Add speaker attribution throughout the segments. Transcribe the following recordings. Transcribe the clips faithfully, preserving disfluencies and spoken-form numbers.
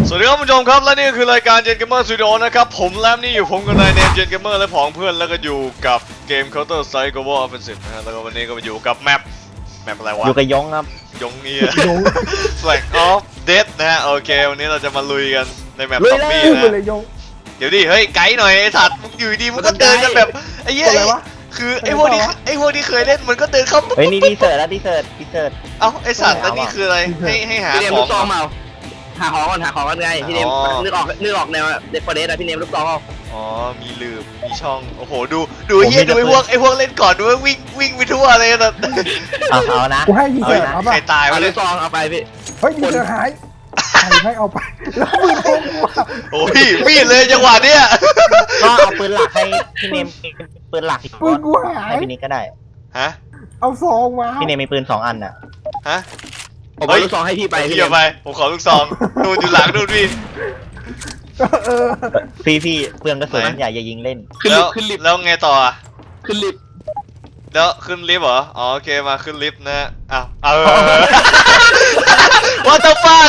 Speaker 1: สวัสดีครับผู้ชมครับและนี่คือรายการ Gen Gamer Studio นะครับผมแลมนี่อยู่ผมกับนายเนม Gen Gamer และผองเพื่อนแล้วก็อยู่กับเกม Counter Strike Global Offensive นะฮะแล้วก็วันนี้ก็มาอยู่กับแมปแมปอะไรวะ
Speaker 2: อยู่กับยงครับ
Speaker 1: ยงเนี่ย Flag of Death นะฮะโอเควันนี้เราจะมาลุยกันในแมปซอมบี้นะ
Speaker 3: เลยยง
Speaker 1: เดี๋ยวดิเฮ้ยไกด์หน่อยไอ้สัตว์มึงอยู่ดีมึงก็เดินกันแบบไอ้เหี้ย
Speaker 3: อะไรวะ
Speaker 1: คือไอ้พวกนี้ไอ้พวกที่เคยเล่นมันก็เดินเข้า
Speaker 2: เฮ้ยนี่ดีเซิร์ตแล้วดีเซิร์ตดีเซิร์ต
Speaker 1: เอ้าไอ้สัตว์แล้วนี่คืออะไรให้ให้หา
Speaker 4: พี่เนม
Speaker 1: ข
Speaker 4: ลู
Speaker 1: อง
Speaker 4: กซองเมาหาของก่อนหาของกันไงพี่เนม
Speaker 1: อ๋อ
Speaker 4: นึกออกนึกออกแนวเด็กฟอร์เรสอะพี่เนมลูกซองเอา
Speaker 1: อ๋อมีลืมมีช่องโอ้โหดูดูไอ้เหี้ยดูไอ้พวกไอ้พวกเล่นก่อนดูไอ้วิ่งวิ่งไปทั่วเลยนะ
Speaker 2: เอาเอานะ
Speaker 3: กูให้ยีเสิร์ตเอา
Speaker 1: ใคร
Speaker 3: ป่ะ
Speaker 1: ตาย
Speaker 4: เอา
Speaker 1: วะ
Speaker 4: ลู
Speaker 1: เนี่ย
Speaker 4: กซองเอาไปพี่
Speaker 3: เฮ้ยยีเสิร์ตหายใครให้เอาไปแล้วมือโกงกูอะ
Speaker 1: โอ้ยมีดเลยจังหวะเนี้ย
Speaker 2: ก็เอาปืนหลักให้พี่เนมปืนหลักอีก
Speaker 3: ปืนกูหาย
Speaker 2: ให้พี่นิกก็ได้
Speaker 1: ฮะ
Speaker 3: เอาซองมา
Speaker 2: พี่เนมมีปืนสองอันน่ะ
Speaker 1: ฮะ
Speaker 4: ผม
Speaker 1: เฮ้
Speaker 4: เอา
Speaker 1: ย
Speaker 4: ลูกซองให้พี่ไป
Speaker 1: ไป
Speaker 4: พี่
Speaker 1: พี่
Speaker 4: เน
Speaker 1: เอา
Speaker 4: ม
Speaker 1: ไปผมขอลูกซองนู่นอยู่หลังนู่นพี่
Speaker 3: เออ
Speaker 2: พี่พี่เปลืองกระสุน
Speaker 1: ไหน
Speaker 2: อย่าอย่ายิงเล่น
Speaker 4: ขึ้น
Speaker 1: แล้
Speaker 4: ลิ
Speaker 1: ว
Speaker 4: ฟต์ขึ้นลิฟต์
Speaker 1: แล้วไงต่ออะ
Speaker 4: ขึ้นลิฟต์
Speaker 1: แล้วขึ้นลิฟต์เหรออ๋อโอเคมาขึ้นลิฟต์นะอ้าวเออ What the fuck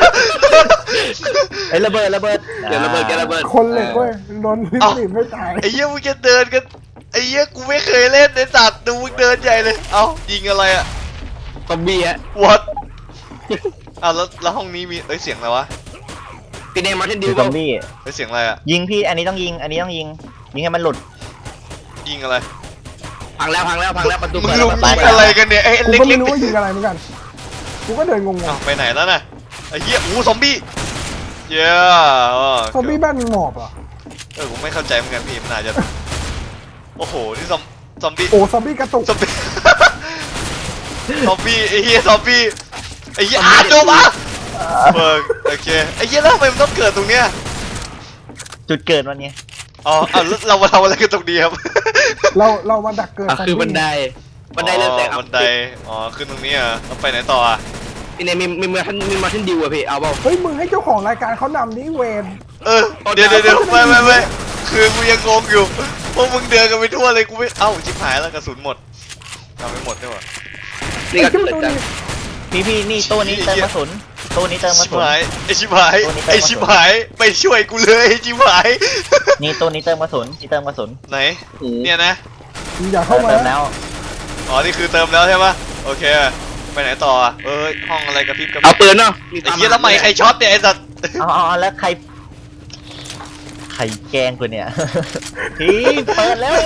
Speaker 2: เอ้ยระเบิดระเบิด
Speaker 4: เดี๋ยวระเบิดแกระเบิด
Speaker 3: คนเหล็กเว้ยโดนลิฟต์หนีบไม่ตาย
Speaker 1: ไอ้เหี้ยมึงจะเดินกันไอ้เหี้ยกูไม่เคยเล่นในสัตว์ดูมึงเดินใหญ่เลยเอ้ายิงอะไรอะ
Speaker 4: ซอมบี้ฮะ
Speaker 1: What อ้าวแล้วแล้วห้องนี้มีเอ้ยเสียงอะไรวะ
Speaker 4: พี่เนมมาเทนดิ
Speaker 2: คื
Speaker 4: ว
Speaker 2: อซอมบี้
Speaker 1: เอ้ยเสียงอะไรอะ
Speaker 2: ยิงพี่อันนี้ต้องยิงอันนี้ต้องยิงยิงให้มันหลุด
Speaker 1: ยิงอะไร
Speaker 4: พังแล้วพังแล้วพังแล้วประตู
Speaker 1: มึง
Speaker 4: เปิด
Speaker 1: ลุ
Speaker 4: แล้ว
Speaker 1: ม
Speaker 4: ประตู
Speaker 1: ยิง
Speaker 4: เปิด
Speaker 1: อะไร
Speaker 4: แล้ว
Speaker 1: กันเนี่ยไอ้
Speaker 3: กู
Speaker 1: เล็
Speaker 3: ก็
Speaker 1: ก
Speaker 3: ไม่
Speaker 1: ๆ
Speaker 3: รู้ว่ายิงอะไรเหมือนกันกูก็เดินงง
Speaker 1: อ้าวไปไหนแล้วน่ะไอ้เหี้ยอู้ซอมบี้เย้
Speaker 3: ๆซอมบี้บ้านมึงหมอบเหรอ
Speaker 1: เออผมไม่เข้าใจเหมือนกันพี่มันอาจจะโอ้โหนี่ซอมซอมบี้
Speaker 3: โอ้ซอมบี้กระตุก
Speaker 1: ซอมบี้ ซอมบี้ไอ้เหี้ยซอมบี้ไอ้เหี้ยอาโจมาเบิร์กโอเคไอ้เหี้ยแล้วทำไมมันต้องเกิดตรงเนี้ย
Speaker 2: จุดเกิดมันไง
Speaker 1: อ๋อเอาแล้วเรามาทำอะไรกันตรงนี้ครับ
Speaker 3: เราเรามาดักเกิด
Speaker 4: อ่ะ
Speaker 3: ซอม
Speaker 4: คือ
Speaker 3: บี้
Speaker 4: บันไดบันไดเลื่อนแสง
Speaker 1: อ๋อบันไดอ๋อขึ้นตรงนี้อ่ะแล้วไปไหนต่ออ่ะ
Speaker 4: พี่เนมมีมีมาเทนมีมาเทนดิวอะพี่เอาเปล่า
Speaker 3: เฮ้ยมึงให้เจ้าของรายการเขานำนี่เวน
Speaker 1: เออเดี๋ยวเดี๋ยวเดี๋ยวไม่ไม่ไม่คือกูยังงงอยู่พวกมึงเดินกันไปทั่วเลยกูไม่เอ้าชิบหายแล้วกระสุนหมดทำไม่หมดด้วยวะ
Speaker 4: นี่ก็
Speaker 3: ไอ้
Speaker 4: เกิด
Speaker 3: ตัว
Speaker 4: จาก
Speaker 3: นี้
Speaker 2: พี่พี่นี่ตู้นี้เติมกระสุนตู้นี้เติมกระ
Speaker 1: ชิบ
Speaker 2: สุน
Speaker 1: หายไอชิบหาย
Speaker 2: ตัวนี้เติม
Speaker 1: ไอชิบหายไปช่วยกูเลยไอชิบหาย
Speaker 2: นี่ตู้นี้เติมกระสุนนี่เติมกระสุน
Speaker 1: ไหนเนี่ยนะ
Speaker 3: มึงอย่า
Speaker 2: เอ
Speaker 3: เข้า
Speaker 2: อ
Speaker 3: มา
Speaker 2: เติมแล้ว
Speaker 1: อ๋อนี่คือเติมแล้วใช่ปะโอเคไปไหนต่ออ่ะเอ้ยห้องอะไรกระพริบกระพ
Speaker 4: เอา
Speaker 1: ริบ
Speaker 4: ปืนเนาะ
Speaker 1: ไอ้เหี้ยทำไมใครช็อตเนี่ยไอ้สัตว์
Speaker 2: เอาเอาเอาแล้วใครใครแกล้งกูเนี่ย พี่เปิดแล้ว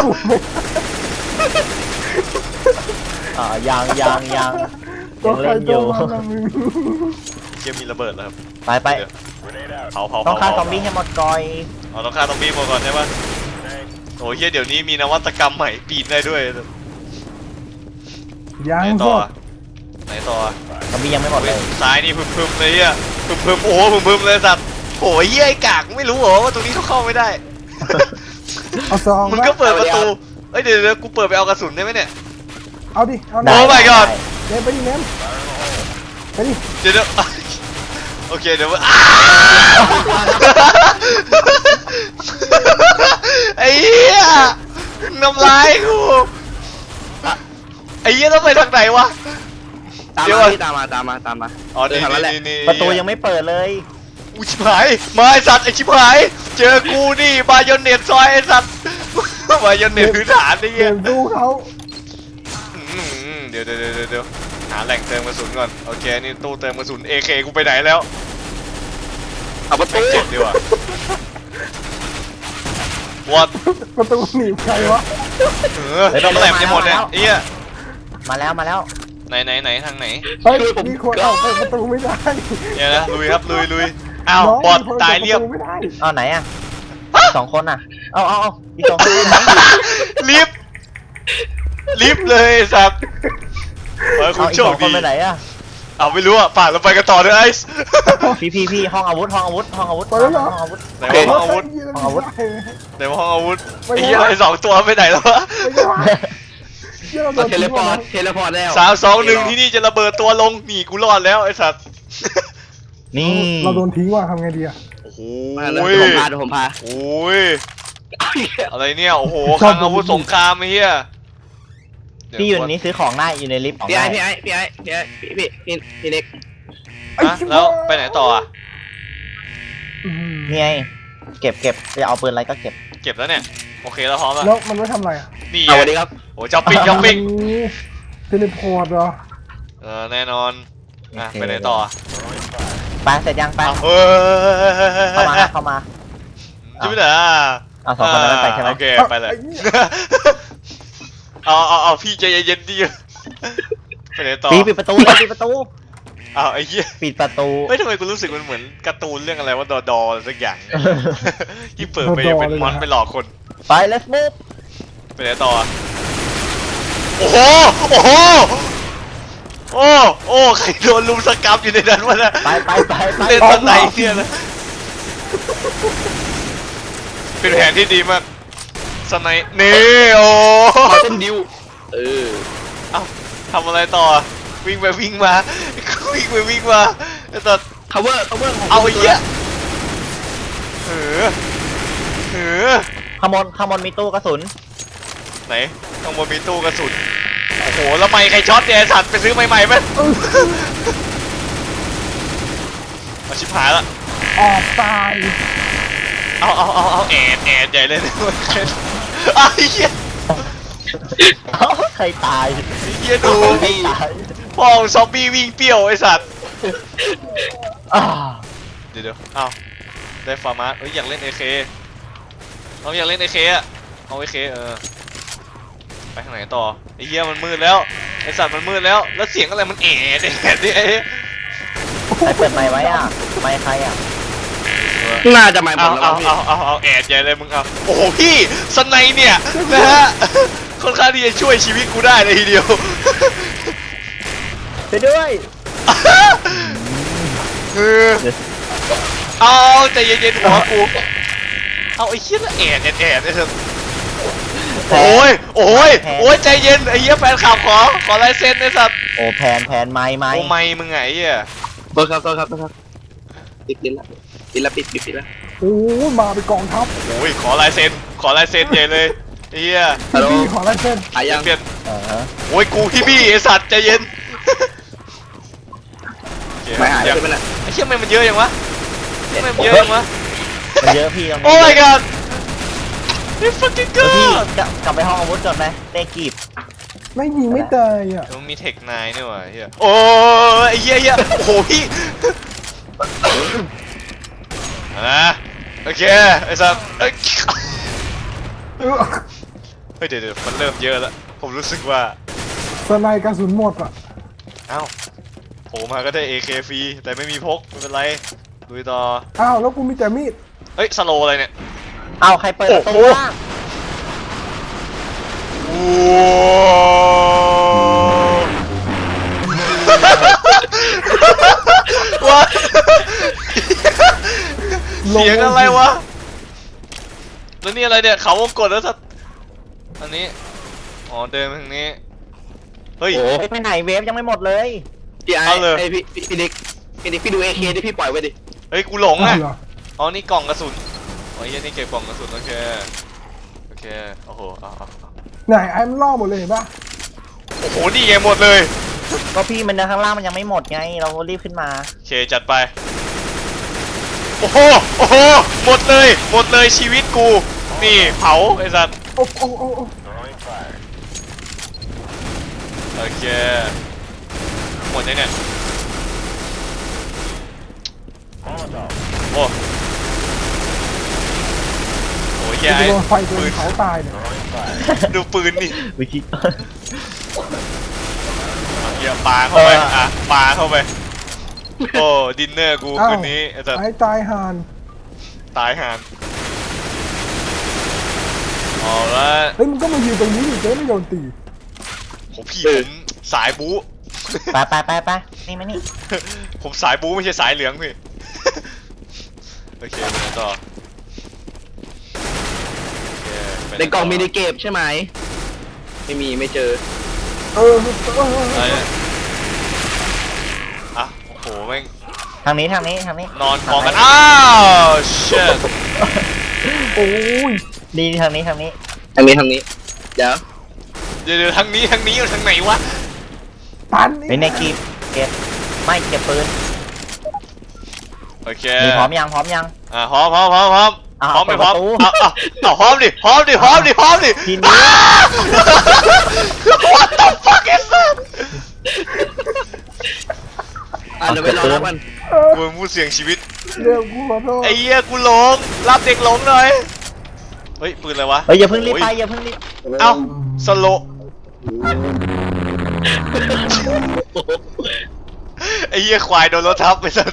Speaker 2: อ่ายางยางยาง
Speaker 3: ตั
Speaker 2: ยั
Speaker 3: ว
Speaker 2: ง
Speaker 3: ใคร
Speaker 2: เล่นอ
Speaker 3: ตัว
Speaker 2: ยู่
Speaker 3: มันนะมึง
Speaker 1: เกมมีระเบิดแล้วครับ
Speaker 2: ไปไป
Speaker 1: เดี๋ยวเผาเผา
Speaker 2: ต้องฆ่า
Speaker 1: เผ
Speaker 2: ซอมบี้ให้หมดก่อย
Speaker 1: อ๋อต้องฆ่าซอมบี้มาก่อนใช่ปะโอ้ยเหี้ยเดี๋ยวนี้มีนวัตกรรมใหม่ปีนได้ด้วย
Speaker 3: ยั
Speaker 1: ไหน
Speaker 3: ง
Speaker 1: ต่
Speaker 3: พ
Speaker 1: อ
Speaker 3: วก
Speaker 1: อ่ะไหนต่ออ่ะ
Speaker 2: ซอมบี้ยังไม่หมดเลย
Speaker 1: ซ้ายนี่พึมพึมๆเลยอ่ะพึมพึมๆโอ้โหพึมพึมๆเลยสัตว์โอ้ยเหี้ยไอ้กากไม่รู้เหรอว่าตรงนี้เขาเข้าไม่ได้
Speaker 3: เอาซอง
Speaker 1: มึง
Speaker 3: มา
Speaker 1: ก็เปิดประตูเอ้ยเดี๋ยวเดี๋ยวกูเปิดไปเอากระสุนได้ไหมเนี่ย
Speaker 3: เอาดิเอา
Speaker 1: โอ้ my god
Speaker 3: เนมไปดิเนมไปดิ
Speaker 1: เดี๋ยวเดี๋ยว โอเคเดี๋ยวอ้าไอ้เหี้ยน้ำลายกูไอ้เหี้ยต้องไปทางไหนวะ
Speaker 4: ตาม
Speaker 1: เดี๋ยว
Speaker 4: มา
Speaker 1: ก่อน
Speaker 4: พี่ตามมาตามมาตามมา
Speaker 1: อ๋อนี่
Speaker 4: เดินทางนั้นแหละ
Speaker 1: นี่นี่
Speaker 2: ประตูยังไม่เปิดเลย
Speaker 1: อุ้ยชิบหายมาไอสัตว์ไอชิบหายเจอกูนี่บายอนเน็ตซอยไอสัตว์บายอนเน็ตพื้นฐานไอ้
Speaker 3: เดิ
Speaker 1: เหี้ย
Speaker 3: นสู้เขา
Speaker 1: อืมเดี๋ยวเดี๋ยวเดี๋ยวเดี๋ยวหาแหล่งเติมกระสุนก่อนโอเคนี่ตู้เติมกระสุน เอ เค กูไปไหนแล้ว
Speaker 4: เอาประตู
Speaker 1: เจ็บดีกว่า What
Speaker 3: ประตูหนีบใครวะ
Speaker 1: เออเมื่อไหร่มันจะหมดเนี่ยไอ้เหี้ย
Speaker 2: มาแล้วมาแล้ว
Speaker 1: ไหนไหนไหนทางไหน
Speaker 3: เฮ้ยมีคนเอาเปิดประตูไม่ได้
Speaker 1: เนี่ยนะลุยครับลุยลุยอ้าว
Speaker 3: น้ง
Speaker 1: บอด
Speaker 3: มีคน
Speaker 1: ตายเรียบ
Speaker 3: ปิดประตูไม่ได้
Speaker 2: เอาไหนอ่ะสองคนอ่ะเอาเอาเอาอีกสองคนไหน
Speaker 1: รีบรีบเลยไอ้สัตว์เฮ้ยคุ
Speaker 2: เอา
Speaker 1: ณ
Speaker 2: อีก
Speaker 1: โช
Speaker 2: ส
Speaker 1: ค
Speaker 2: องค
Speaker 1: ดี
Speaker 2: นไปไหนอ่ะ
Speaker 1: เอาไม่รู้อ่ะป่านเราไปกันต่อเลยไอซ์
Speaker 2: พี่พี่พี่ห้องอาวุธห้องอาวุธห้องอาวุธ
Speaker 3: ไปแล้วเหรอ
Speaker 2: ห้องอาวุธ
Speaker 1: ไหนว่าห้องอาวุธ
Speaker 2: ห้องอาวุธ
Speaker 1: ไหนว่าห้องอาวุธ
Speaker 3: ไป
Speaker 1: ไอ้
Speaker 3: แล้ว
Speaker 1: เหี้ยไอ้สองตัวไปไหนแล้ววะ
Speaker 3: ไม่ใช่วะเหี้ยเราโด
Speaker 4: เอา
Speaker 3: น
Speaker 4: เทเล
Speaker 3: ทิ้ง
Speaker 4: พอ
Speaker 3: มา
Speaker 4: ร์ตเทเลพอร์ตแล้ว
Speaker 1: สามสองหนึ่งที่นี่จะระเบิดตัวลงหนีกูรอดแล้วไอ้สัตว์
Speaker 2: นี่
Speaker 3: เราโดนทิ้งว่ะทำไงดีอะ
Speaker 1: โอ้โห
Speaker 4: มาแล้วเดี๋ยวผมพาเดี๋ยวผมพา
Speaker 1: โอ้ย
Speaker 4: เอาอีกแล้ว
Speaker 1: อะไรเนี่ยโอ้โหคลังอาวุธสงครามไอ้เหี้ย
Speaker 2: พี่อยู่ในนี้ซื้อของได้อยู่ในลิฟต์ของ
Speaker 4: พี่ไอ้
Speaker 2: ได้
Speaker 4: พี่ไอ้พี่ไอ้พี่ไอ้พี่พี่พี่พี่เล็ก
Speaker 3: ไอ้
Speaker 1: ฮะ
Speaker 3: ชิบ
Speaker 1: แล้ว
Speaker 3: หาย
Speaker 1: ไปไหนต่ออ่ะ
Speaker 3: อืม
Speaker 2: นี่ไงเก็บเก็บจะเอาปืนอะไรก็เก็บ
Speaker 1: เก็บแล้วเนี่ยโอเคแล้วพร้อมแล้ว
Speaker 3: แล้วมันไม่ทำอะไรอ่ะ
Speaker 1: นี่
Speaker 4: เอา
Speaker 1: ไง
Speaker 4: วันนี้ครับ
Speaker 1: โอ้ช้อปปิ้งช้อปปิ้ง
Speaker 3: เทเลพอร์ตเหรอ
Speaker 1: เออแน่นอนอ่ะไปไหนต่อ
Speaker 2: ไปเสร็จยังไป
Speaker 1: เอาเฮ้ย
Speaker 2: เข้ามาเข้ามา
Speaker 1: จะไปไหนอ่ะ
Speaker 2: เอาสองคนนั้นไปใช่ไหม
Speaker 1: โอเคไปเลยเอาเอาเอาพี่ใจเย็นๆดิไปไหนต่อ
Speaker 2: ปีปิดประตูเลยปิดประตู
Speaker 1: เอาไอ้เหี้ย
Speaker 2: ปิดประตู
Speaker 1: เฮ้ยทำไมกูรู้สึกมันเหมือนการ์ตูนเรื่องอะไรว่าดอดออะไรสักอย่างเนี่ยที่เปิดไปเป็นมอนไปหลอกคน
Speaker 2: ไป let's move
Speaker 1: ไปไหนต่ออ่ะโอ้โหโอ้โหโอ้โอ้ใครโดนลุมสกรรมอยู่ในนั้นวะเนี่ย
Speaker 2: ไปไปไปไป
Speaker 1: เล่นตอนไหนเนี่ยนะเป็นแผนที่ดีมากสไนป์นี่โอ้
Speaker 4: มาเส้นดิวเออ
Speaker 1: เอ้าทำอะไรต่อวิ่งไปวิ่งมาวิ่งไปวิ่งมาไอ้ตัด
Speaker 4: cover cover ของ
Speaker 1: เอาไอ้เหี้ยเออเออ
Speaker 2: ขางบวนขางบวนมีตู้กระสุน
Speaker 1: ไหนข้างบนมีตู้กระสุนโอ้โหแล้วไม่ใครช็อตเนี่ยไอ้สัตว์ไปซื้อใหม่ๆไหมมาชิบหายละ
Speaker 3: ออกตาย
Speaker 1: เอาเอาเอาเอาแอดแอดใหญ่เลยนะไอ้เหี้ย
Speaker 2: ใครตาย
Speaker 1: ไอ้เหี้ยดู
Speaker 2: ใครตาย
Speaker 1: พ่อซอมบี้วิ่งเปรี้ยวไอ้สัตว์
Speaker 2: อ่า
Speaker 1: เดี๋ยวเดี๋ยวเอาได้ฟาร์มาสเอ้ยอยากเล่น เอ เค เราอยากเล่น เอ เค อะเอา เอ เค เออไปทางไหนต่อไอ้เหี้ยมันมืดแล้วไอ้สัตว์มันมืดแล้วแล้วเสียงอะไรมันแอดแอดดิไอ้
Speaker 2: ใครเปิดไมค์ไว้อ่ะไมค์ใครอ่ะ
Speaker 4: น่าจะมาหม
Speaker 1: เอา
Speaker 4: ดแล้ว
Speaker 1: เอา
Speaker 4: พี่
Speaker 1: เอาเอาเอาแอดใหญ่เลยมึงเอาโอ้โหพี่สไนเนี่ยนะฮะค่อนข้างที่จะช่วยชีวิตกูได้เลยทีเดียว
Speaker 2: ไปด้วย
Speaker 1: คือเอาใจเย็นๆหัวกูเอาไอ้เหี้ยละแอดแอดแอดไอ้เถอะโอ้ยโอ้ยโอ้ยใจเย็นไอ้เหี้ยแฟนข่าวขอขอลายเซ็นไอ้สัตว์
Speaker 2: โอ้แผนแผนไม้ไม้
Speaker 1: โอ้ไม่มึงไงไอ้เหี้ย
Speaker 4: โทษครับโทษครับโทษครับปิดปิดละปิดละปิดปิดปิดละ
Speaker 3: โอ้ยมาเป็นกองทัพ
Speaker 1: โอ้ยขอลายเซ็นขอลายเซ็นใหญ่เลยไอ้เหี้ย
Speaker 4: ฮัลโหล
Speaker 3: พี่ขอลายเส้น
Speaker 4: หายยัง
Speaker 1: เปลี่ยน
Speaker 2: อ่าฮะ
Speaker 1: โอ้ยกูพี่บี้ไอ้สัตว์ใจเย็นโอเค
Speaker 4: ไม่หาย
Speaker 1: ยัง
Speaker 4: ใช่ไหมน่ะ
Speaker 1: ไอ้เชี่ยทำไมมันเยอะยังวะทำไมมันเยอะยังวะ
Speaker 2: มันเยอะพี่ตรงนี้
Speaker 1: โอ้ my god this fucking
Speaker 2: เดี๋ยวพี่
Speaker 1: god
Speaker 2: กลับกลับไปห้องอาวุธก่อนไหมเต้กีบ
Speaker 3: ไม่ยิงไม่ตายอ่ะ
Speaker 1: มันมีเทคนายนี่หว่าเฮียโอ้ยไอ้เหี้ยเหี้ยโอ้โหพี่นะโอเคไอ้สัตว์เอ้ย
Speaker 3: เออ
Speaker 1: เฮ้ยเดี๋ยวเดี๋ยวมันเริ่มเยอะแล้วผมรู้สึกว่า
Speaker 3: สไนกระสุนหมดอ่ะ
Speaker 1: เอ้าโผล่มาก็ได้ เอ เค ฟรีแต่ไม่มีพกไม่เป็นไรลุยต่อ
Speaker 3: อ้าวแล้วกูมีแต่มีด
Speaker 1: เฮ้ยสโลอะไรเนี่ย
Speaker 2: เอาใครเปิดประตู
Speaker 1: โอ้โห
Speaker 2: บ้าง
Speaker 1: ว้าว เสียงอะไรวะ แล้วนี่อะไรเนี่ยเขาวงกดแล้วสัตว์อันนี้ อ๋อเดินไปทางนี้ เฮ้ย
Speaker 4: โอ้
Speaker 2: เฮ้ยไปไหนเวฟยังไม่หมดเลย
Speaker 4: พี่ไอ้
Speaker 1: เอาเลย
Speaker 4: ไอ้พี่พี่พี่เด็กพี่เด็กพี่ดูเอเคที่พี่ปล่อยไว้ดิ
Speaker 1: เฮ้ยกูหลง
Speaker 3: อ้า
Speaker 1: อ่ะ
Speaker 3: วเหรอ
Speaker 1: อ๋อนี่กล่องกระสุนอ๋อเหี้ยนี่เก็บกล่องกระสุนโอเค โอเค โอ้โหเอาเอาเอา
Speaker 3: ไหนไอ้มันล่อหมดเลยเห็นปะ
Speaker 1: โอ้โหนี่ไงหมดเลย
Speaker 2: ก็พี่มันข้างล่างมันยังไม่หมดไง เรารีบขึ้นมา
Speaker 1: โอเคจัดไป โอ้โห โอ้โห หมดเลย หมดเลยชีวิตกู นี่เผาไอ้สัตว์
Speaker 3: โอ้โอ้โอ้โอ้
Speaker 1: โอเค หมดยังเนี่ยโอ้โหแย่
Speaker 3: จะ
Speaker 1: ไอ้
Speaker 3: โดนไฟโด
Speaker 1: ปื
Speaker 3: น
Speaker 1: น
Speaker 3: เผาตายเนี่ย
Speaker 1: ดูปืนนี่
Speaker 2: วิชิ
Speaker 1: เหี้ยปาเข้าไป
Speaker 2: เอออ่
Speaker 1: อ่ะปาเข้าไป โอ้ ดินเนอร์กูคืนนี้ไอ้สัตว์
Speaker 3: ไอ้ตายห่าน
Speaker 1: ตายห่านเอาละ
Speaker 3: เฮ้ยมึงก็มายืนตรงนี้ดิเจ๊ไม่โดนตี
Speaker 1: ผมพี่ผมสายบู๊
Speaker 2: ไปไปไปไปนี่มานี่
Speaker 1: ผมสายบู๊ไม่ใช่สายเหลืองพี่ โอเคไปไหนต่อโอเคไปไห
Speaker 4: ในกล่องมีในเก็บใช่ไหมไม่มีไม่เจอ
Speaker 3: เออเออเออ
Speaker 1: อะไรเนี่ยอ่ะโอ้โหแม่ง
Speaker 2: ทางนี้ทางนี้ทางนี้
Speaker 1: นอนกองกัน อ้าวเชิด
Speaker 3: โอ้ย
Speaker 2: ดีทางนี้ทางนี้
Speaker 4: ทางนี้ทางนี้เดี๋ยว
Speaker 1: เดี๋ยวเดี๋ยวทางนี้ทางนี้ทางไหนวะ
Speaker 3: ปัน
Speaker 2: เป็นในกีบเก็บไม่เก็บปืน
Speaker 1: โอเค
Speaker 2: มีพร้อมยังพร้อมยัง
Speaker 1: อ่ะพร้อมพร้อมพร้อมพร้อม
Speaker 2: อ่ะ
Speaker 1: พร้อมไม่พร้อม
Speaker 2: เปิดประตู
Speaker 1: เอาเอาเอาพร้อมดิพร้อมดิพร้อมดิพร้อมดิ
Speaker 2: ทีนี้
Speaker 1: What the fuck is that
Speaker 4: อ่ะเดี๋ยวไปรอรับกัน
Speaker 3: เออ
Speaker 1: กูพูดเสียงชีวิต
Speaker 3: เดี๋ยวกูขอโทษ
Speaker 1: ไอ้เหี้ยกูหลงรับเด็กหลงหน่อยเฮ้ยปืนอะไรวะ
Speaker 2: เฮ้ยอย่าเพิ่งรีบไปอย่าเพิ่งรีบ
Speaker 1: เอ้าสโลไอ้เหี้ยควายโดนรถทับไปสัส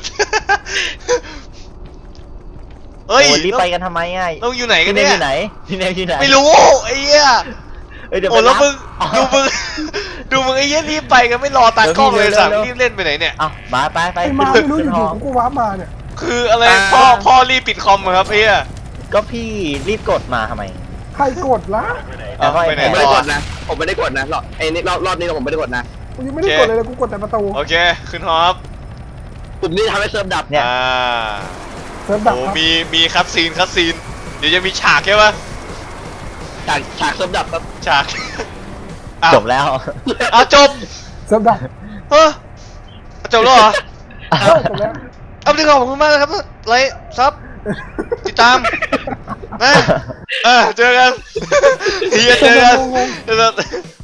Speaker 1: เฮ้ย
Speaker 2: โอ้รีบไปกันทำไมอ่ะ
Speaker 1: ต้องอยู่ไหนกั
Speaker 2: พี่
Speaker 1: น
Speaker 2: เน
Speaker 1: เนี่
Speaker 2: วย อยู่ไหนพี่เนวอยู่ไหน
Speaker 1: ไม่รู้ไอ้เหี้ย
Speaker 2: เฮ้ยเดี๋ยว
Speaker 1: โอ้
Speaker 2: ไป
Speaker 1: แล้ว
Speaker 2: รับ
Speaker 1: มึง
Speaker 2: อ๋อ
Speaker 1: ดูมึงดูมึงไอ้เหี้ยรีบไปกันไม่รอตากล้องเลยสั่งรีบเล่นไปไหนเนี่ย
Speaker 2: เอ้ามาไปไป
Speaker 3: ไอ้มาไม่รู้อ
Speaker 2: ขึ้นห
Speaker 3: ยู่
Speaker 2: อ
Speaker 3: ๆกูว้าร์ปมาเนี่ย
Speaker 1: คืออะไรพ่อพ่อรีบปิดคอมเหรอครับไอ้เหี้ย
Speaker 2: ก็พี่รีบกดมาทำไม
Speaker 3: ใครกดละ
Speaker 2: เอาไป
Speaker 1: ไปไหน
Speaker 4: ผมไม่
Speaker 1: ต่
Speaker 4: ได้
Speaker 1: อก
Speaker 4: ดนะ ผมไม่ได้กดนะรอบไอ้นี่รอบรอบนี้ผมไม่ได้กดนะ
Speaker 3: กูยังไม่ได้กดเลยนะกูกดแต่ประตู
Speaker 1: โอเคขึ้นฮอป
Speaker 4: ปุ่มนี้ทำให้เซิร์ฟดับ
Speaker 2: เนี่ย
Speaker 1: อ่า
Speaker 3: เซิร์ฟดับ
Speaker 1: โอ้
Speaker 3: ครับ
Speaker 1: มีมีคัดซีนคัดซีนเดี๋ยวจะมีฉากใช่ปะ
Speaker 4: ฉากฉากเซิร์ฟดับครับ
Speaker 1: ฉากอ้าว
Speaker 2: จบแล้ว
Speaker 1: อ้าวจบ
Speaker 3: เซิร์ฟดับ
Speaker 1: เฮ้อจบแล้วเหรอ
Speaker 3: เออจบแล้ว
Speaker 1: เอาดีขอบคุณมากนะครับไลค์ซับติดตามนะเออเจอกันเฮียเจอกันเจอกัน